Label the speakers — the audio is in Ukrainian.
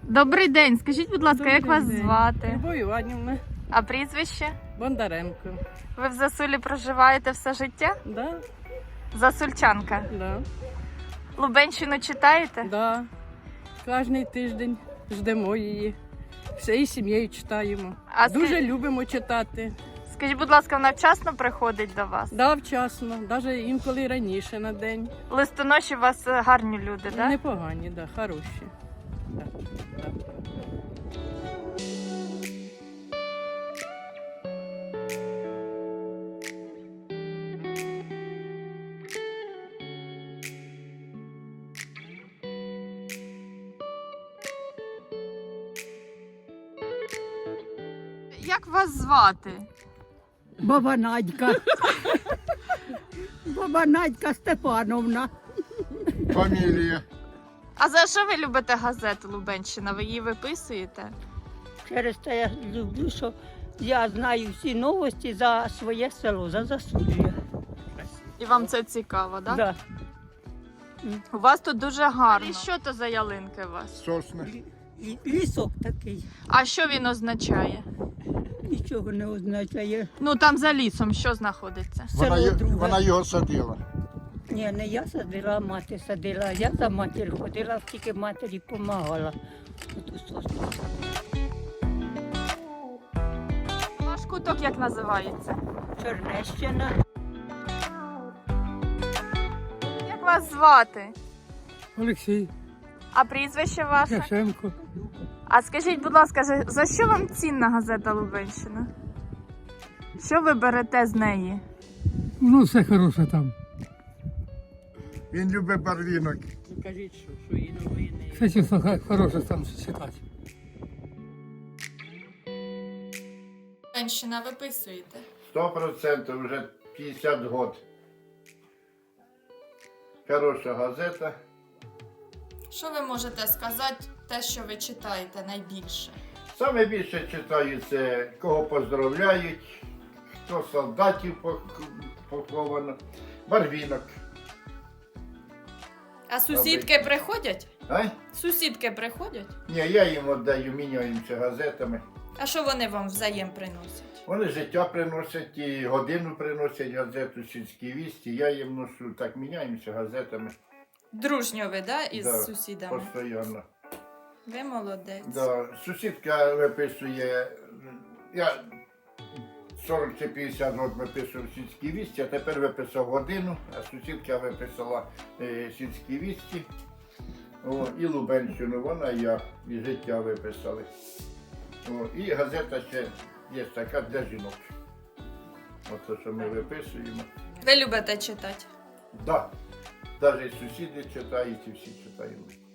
Speaker 1: Добрий день. Скажіть, будь ласка, як вас звати?
Speaker 2: Любов Іванівна.
Speaker 1: А прізвище?
Speaker 2: Бондаренко.
Speaker 1: Ви в Засулі проживаєте все життя?
Speaker 2: Да,
Speaker 1: Засульчанка.
Speaker 2: да,
Speaker 1: Лубенщину читаєте?
Speaker 2: да. Кожний тиждень ждемо її. Всією сім'єю читаємо.
Speaker 1: А
Speaker 2: Дуже любимо читати.
Speaker 1: Скажіть, будь ласка, вона вчасно приходить до вас?
Speaker 2: Да, вчасно, навіть інколи раніше на день.
Speaker 1: Листоноші у вас гарні люди, так?
Speaker 2: Непогані, да, хороші. Да, да.
Speaker 1: Як вас звати?
Speaker 3: Баба Надька. Баба Надька Степановна.
Speaker 4: Фамілія.
Speaker 1: А за що ви любите газету Лубенщина? Ви її виписуєте?
Speaker 3: Через те я люблю, що я знаю всі новості за своє село, за Засулля.
Speaker 1: І вам це цікаво, так?
Speaker 3: Да.
Speaker 1: У вас тут дуже гарно. І що то за ялинки у вас?
Speaker 4: Сосни.
Speaker 3: Лісок такий,
Speaker 1: А що він означає?
Speaker 3: нічого не означає.
Speaker 1: Ну там за лісом що знаходиться?
Speaker 3: Село друге.
Speaker 4: Вона його садила.
Speaker 3: Ні, не я садила, а мати садила. Я за матір ходила, тільки матері допомагала.
Speaker 1: Ваш куток як називається?
Speaker 3: Чернещина.
Speaker 1: Як вас звати?
Speaker 5: Олексій
Speaker 1: А прізвище ваше?
Speaker 5: Яшенко.
Speaker 1: А скажіть, будь ласка, за що вам цінна газета Лубенщина? Що ви берете з неї?
Speaker 5: Ну, все хороше там.
Speaker 4: Він любить барвінок.
Speaker 2: Кажіть, що і новини.
Speaker 5: Все чесно хороше там читати.
Speaker 1: Лубенщина виписуєте?
Speaker 4: 100% вже 50 років. Хороша газета.
Speaker 1: Що ви можете сказати, те, що ви читаєте найбільше?
Speaker 4: Саме більше читаю це, кого поздравляють, хто солдатів поховано. Барвінок.
Speaker 1: А сусідки приходять?
Speaker 4: А?
Speaker 1: Сусідки приходять?
Speaker 4: Ні, я їм віддаю, міняємося газетами.
Speaker 1: А що вони вам взаєм приносять?
Speaker 4: Вони життя приносять і годину приносять газету «Сільські вісті». Я їм ношу, так міняємося газетами.
Speaker 1: Дружньо ви, да, із
Speaker 4: Да,
Speaker 1: сусідами?
Speaker 4: Постійно.
Speaker 1: Ви молодець.
Speaker 4: Да. Сусідка виписує, я 40 чи 50 років виписував «Сільські вісті», а тепер виписав годину, а сусідка виписала «Сільські вісті». О, і Лубенщину, вона і я, і життя виписали. О, і газета ще є така для жінок. Оце, що ми виписуємо.
Speaker 1: Ви любите читати?
Speaker 4: Так, да. Навіть сусіди читають і всі читаємо.